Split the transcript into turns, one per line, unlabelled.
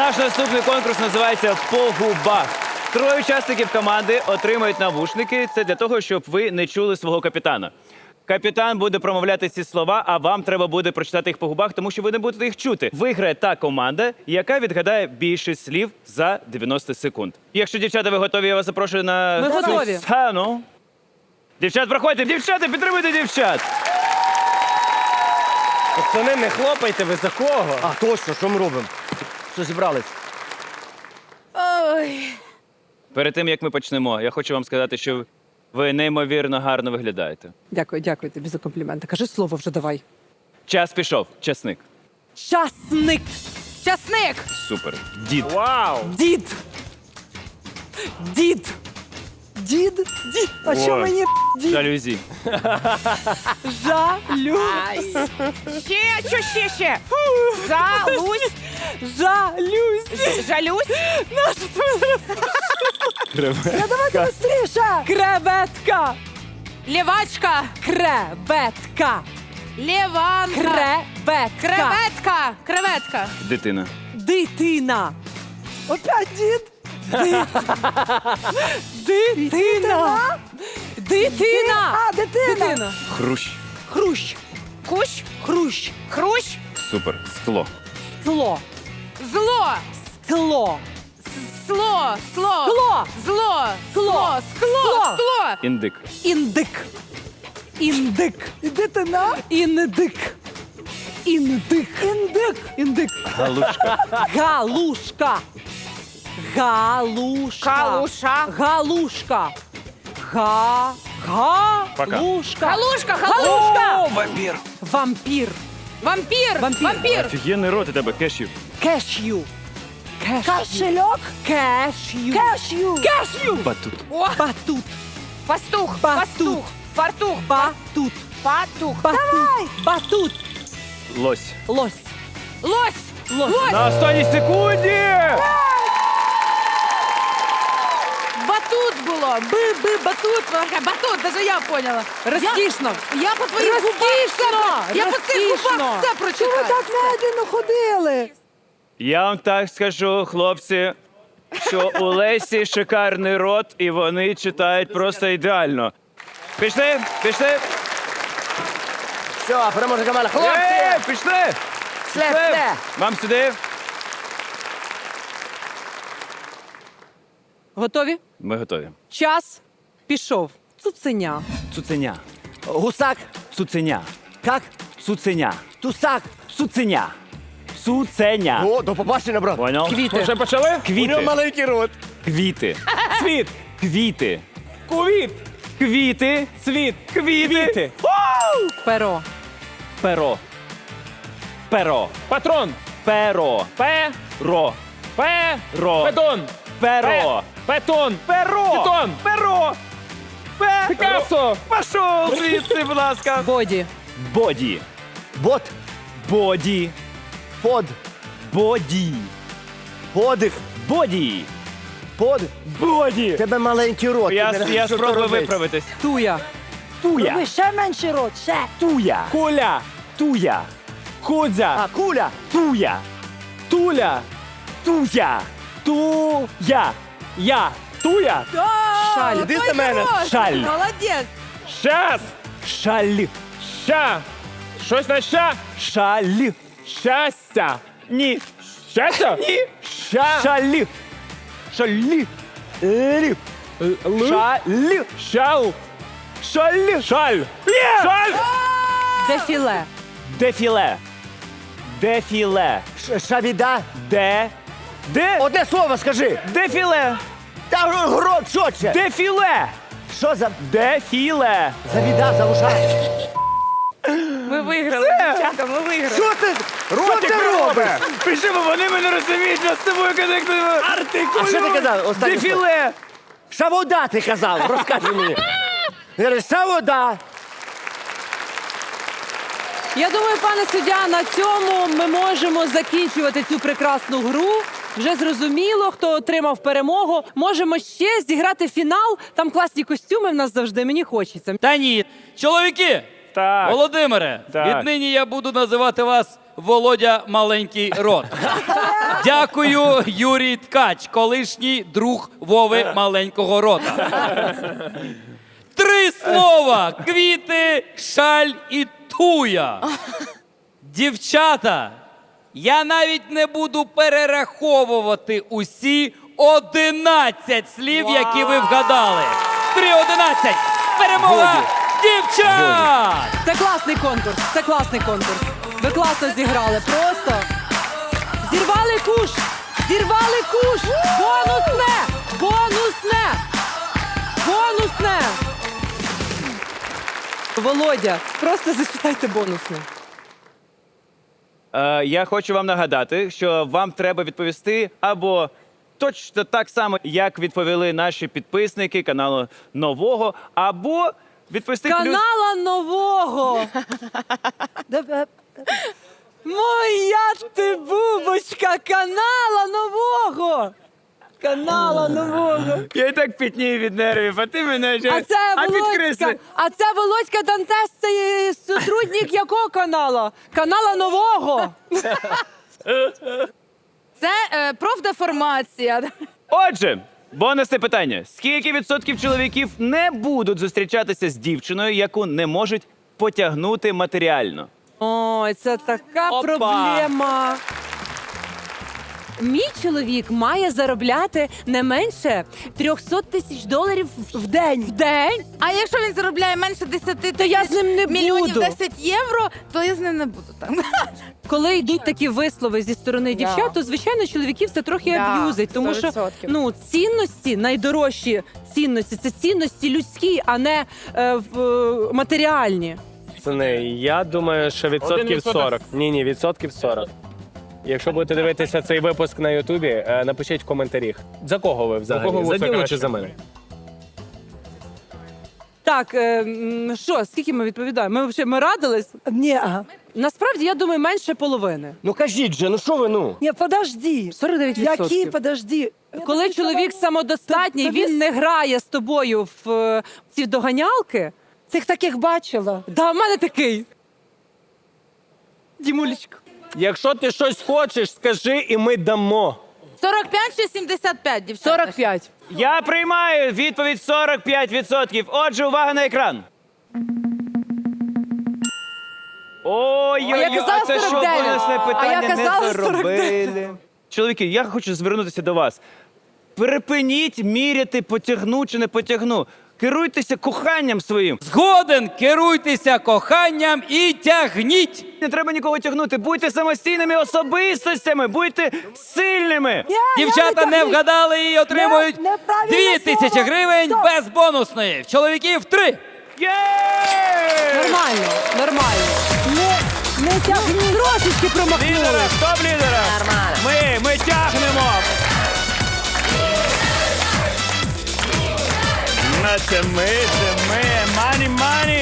Наш наступний конкурс називається «По губах». Троє учасників команди отримають навушники. Це для того, щоб ви не чули свого капітана. Капітан буде промовляти ці слова, а вам треба буде прочитати їх по губах, тому що ви не будете їх чути. Виграє та команда, яка відгадає більше слів за 90 секунд. Якщо, дівчата, ви готові, я вас запрошую на
Ми готові.
сцену. Дівчат, проходьте. Дівчата, підтримуйте дівчат.
Пацани, не хлопайте, ви за кого?
А, точно, що ми робимо? Що зібрались?
Ой.
Перед тим, як ми почнемо, я хочу вам сказати, що ви неймовірно гарно виглядаєте.
Дякую тобі за компліменти. Кажи слово вже давай.
Час пішов. Часник.
Часник. Часник.
Супер. Дід.
Вау!
Дід. Дід. Дід? Дід. А що
Ой.
мені дід?
Жалюзі.
Жалю.
Ще. Залусь,
Жалюсь.
жалюсь.
Давайте быстріше. Креветка.
Левачка,
Креветка.
леванка,
Креветка.
креветка.
Дитина.
Дитина. Опять дід. Дитина. Дитина. А, дитина.
Хрущ.
Хрущ.
Кущ,
Хрущ.
хрущ,
Супер. Скло.
Скло.
зло,
Скло.
сло, сло,
Скло.
зло,
Скло.
скло, скло.
Індик.
Індик. Індик. Дитина. Індик. Індик. Індик. Індик.
Галушка.
Галушка. Галушка.
Калуша.
Галушка.
Пока.
Галушка.
Галушка,
Галушка.
Вампір.
Вампір.
Вампір,
Вампір.
вампір.
Офігенний рот у тебе, кешів.
Кешю. Кошельок. Кешю. Кешю. Кешю.
Батут.
О,
Батут.
пастух,
Батут.
пастух, фартух,
Батут.
патух.
Давай. Батут.
Лось.
Лось.
Лось,
Лось.
лось,
На останній секунді!
батут було. Батут, батут, даже я поняла.
Розкішно.
Я по твоїх губах все, я по цих губах все прочитала.
медленно ходили?
Я вам так скажу, хлопці, що у Лесі шикарний рот, і вони читають просто ідеально. Пішли? Пішли?
Все, переможе команда. Хлопці!
Пішли! Пішли! Вам сюди?
Готові?
Ми готові.
Час пішов. Цуценя.
Цуценя.
Гусак.
Цуценя.
Как?
Цуценя.
Тусак.
Цуценя. Цуценя.
О, до побачення, брат.
Понял?
Квіти.
Вже почали?
У нього
Квіти.
маленький рот.
Квіти.
Цвіт,
Квіти.
кувіт,
Квіти.
цвіт,
Квіти.
Перо.
Перо. Перо.
патрон,
Перо.
пе,
Ро.
педон,
Перо.
петон,
Перо.
Питон.
Перо. Перо.
Пікассо,
Пішов звідси, будь ласка.
Боді.
Боді.
Бот.
Боді.
Под.
Боді.
Подих.
Боді.
Под.
Боді.
Тебе маленький рот.
Я
Ти не знаєш, що
спробую
робити.
виправитись.
Туя.
Туя.
ще менший рот. Ще.
Туя.
куля,
Туя.
кудзя,
А, куля.
Туя.
туля,
Туя. Туя.
я, туя,
Шаль.
Іди за мене.
Шаль.
Молодець.
щас,
Шаль.
ща, щось на ща,
Шаль.
щастя,
Ні.
щастя,
Ні.
ща,
Шаль. Шаль. Лі.
л,
Шаль.
щал,
Шаль.
шаль,
Є.
шаль,
Дефіле.
Дефіле. Дефіле.
Шавіда.
Де. Де.
Одне слово скажи.
Дефіле.
Та рот, що це?
Дефіле.
Що за...
Дефіле.
Завіда, завуша.
Ми виграли, дівчата, ми виграли.
Що ти? Що ти робиш?
Пиши, бо вони мене розуміють, нас з тобою коннектуємо.
А що ти казав? Останнє слово.
Дефіле.
Шавода ти казав, розкажи мені. Я кажу, шавода.
Я думаю, пане суддя, на цьому ми можемо закінчувати цю прекрасну гру. Вже зрозуміло, хто отримав перемогу. Можемо ще зіграти фінал. Там класні костюми в нас завжди. Мені хочеться.
Та ні, чоловіки!
Так.
Володимире,
Так.
віднині я буду називати вас Володя Маленький Рот. Дякую, Юрій Ткач, колишній друг Вови Маленького Рота. 3 слова: квіти, шаль і туя. Дівчата, я навіть не буду перераховувати усі 11 слів, які ви вгадали. 3-11. Перемога дівчат!
Це класний конкурс. Це класний конкурс. Ви класно зіграли. Просто зірвали куш. Зірвали куш. Бонусне. Бонусне. Бонусне. Володя, просто зачитайте бонусне.
Я хочу вам нагадати, що вам треба відповісти або точно так само, як відповіли наші підписники каналу Нового, або відповісти плюс...
Канала нового. Моя ти бубочка, канала нового. Канала нового.
Я і так пітнію від нервів, а ти мене вже...
А це Володька,
підкресли.
а це Володька Дантес, це сотрудник якого канала? Канала нового.
Це профдеформація.
Отже, бонусне питання. Скільки відсотків чоловіків не будуть зустрічатися з дівчиною, яку не можуть потягнути матеріально?
Ой, це така
Опа.
проблема. Мій чоловік має заробляти не менше $300 тисяч в день. В день?
А якщо він заробляє менше 10 тисяч
То я з ним не
мільйонів
буду.
10 євро, то я з ним не буду там.
Коли йдуть такі вислови зі сторони дівчат, то звичайно чоловіків це трохи
Да,
аб'юзить, тому що
100%.
Цінності, найдорожчі цінності це цінності людські, а не матеріальні.
Пацани, я думаю, що відсотків 40. Ні, відсотків 40. Якщо будете дивитися цей випуск на Ютубі, напишіть в коментарях. За кого ви взагалі?
кого ви
За
це
Ділу
краще?
чи за мене?
Так, що, скільки ми відповідаємо? Ми радились?
Ні,
Насправді, я думаю, менше половини.
Ну кажіть же, ну що ви, ну?
ні, подожди.
49%.
Які, подожди.
Коли чоловік самодостатній,
то
він не грає з тобою в ці доганялки.
Цих таких бачила.
Да, в мене такий. Дімулечка.
Якщо ти щось хочеш, скажи і ми дамо.
45 чи 75, дівчата?
45.
Я приймаю відповідь 45%. Отже, увага на екран. Ой-ой-ой,
А я казала
це що
49.
бонусне
А
питання
я казала
не заробили. Чоловіки, я хочу звернутися до вас. Припиніть міряти, потягну чи не потягну. Керуйтеся коханням своїм.
Згоден, керуйтеся коханням і тягніть.
Не треба нікого тягнути. Будьте самостійними особистостями, будьте сильними.
Дівчата не вгадали і отримують
неправильне
2000
слово.
гривень
Стоп.
без бонусної. В чоловіків 3.
Є!
Нормально, нормально.
Не тягніть.
Трошечки промахнули.
Лідера, стоп, лідера! Ми тягнемо! Це ми, мані,